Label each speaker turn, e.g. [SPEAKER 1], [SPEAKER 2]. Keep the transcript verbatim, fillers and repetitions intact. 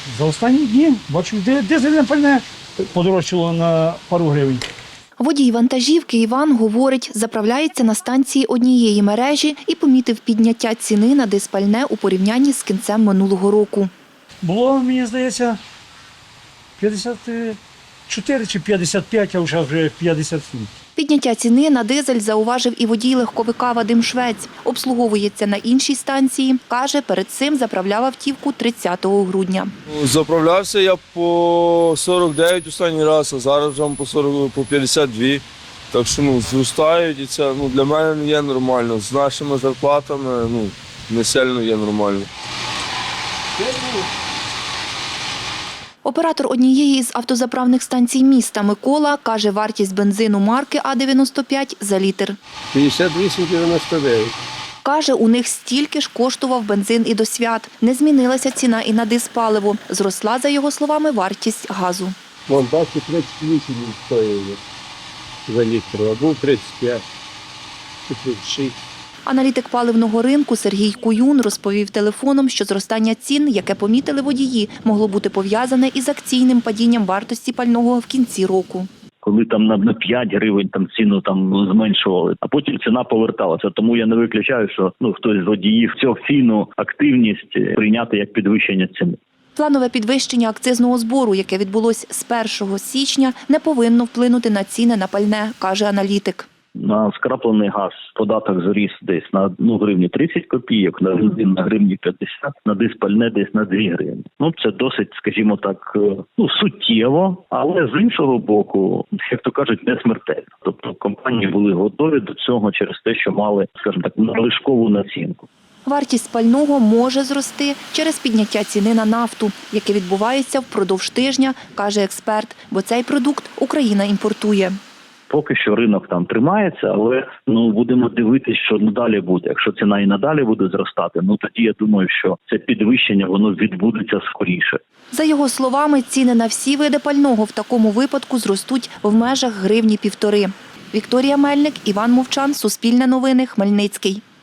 [SPEAKER 1] За останні дні бачу, де дизельне пальне подорожчало на пару гривень.
[SPEAKER 2] Водій вантажівки Іван говорить, заправляється на станції однієї мережі і помітив підняття ціни на дизпальне у порівнянні з кінцем минулого року.
[SPEAKER 1] Було, мені здається, п'ятдесят чотири чи п'ятдесят п'ять, а вже вже п'ятдесят сім.
[SPEAKER 2] Підняття ціни на дизель зауважив і водій легковика Вадим Швець. Обслуговується на іншій станції. Каже, перед цим заправляв автівку тридцятого грудня.
[SPEAKER 3] Заправлявся я по сорок дев'ять останній раз, а зараз вже по сорок, по п'ятдесят два. Так що ну, зростають і це ну, для мене не є нормально. З нашими зарплатами ну, не сильно є нормально.
[SPEAKER 2] Оператор однієї з автозаправних станцій міста Микола каже, вартість бензину марки А дев'яносто п'ять за літр.
[SPEAKER 4] п'ятдесят вісім дев'яносто дев'ять.
[SPEAKER 2] Каже, у них стільки ж коштував бензин і до свят. Не змінилася ціна і на дизпаливо. Зросла, за його словами, вартість газу.
[SPEAKER 4] Вон бачите, тридцять вісім стоїть за літр, а був тридцять п'ять, тридцять шість.
[SPEAKER 2] Аналітик паливного ринку Сергій Куюн розповів телефоном, що зростання цін, яке помітили водії, могло бути пов'язане із акційним падінням вартості пального в кінці року.
[SPEAKER 5] Коли там на п'ять гривень там ціну там зменшували, а потім ціна поверталася. Тому я не виключаю, що ну хтось з водіїв цю акційну активність прийняти як підвищення ціни.
[SPEAKER 2] Планове підвищення акцизного збору, яке відбулось з першого січня, не повинно вплинути на ціни на пальне, каже аналітик.
[SPEAKER 5] На скраплений газ податок зріс десь на одну гривню тридцять копійок, на бензин на гривні п'ятдесят, на дизпальне десь на дві гривні. Ну, це досить, скажімо так, ну, суттєво, але з іншого боку, як то кажуть, не смертельно. Тобто компанії були готові до цього через те, що мали, скажімо так, надлишкову націнку.
[SPEAKER 2] Вартість пального може зрости через підняття ціни на нафту, яке відбувається впродовж тижня, каже експерт, бо цей продукт Україна імпортує.
[SPEAKER 5] Поки що ринок там тримається, але ну будемо дивитися, що надалі буде. Якщо ціна і надалі буде зростати, ну тоді я думаю, що це підвищення воно відбудеться скоріше.
[SPEAKER 2] За його словами, ціни на всі види пального в такому випадку зростуть в межах гривні півтори. Вікторія Мельник, Іван Мовчан, Суспільне новини, Хмельницький.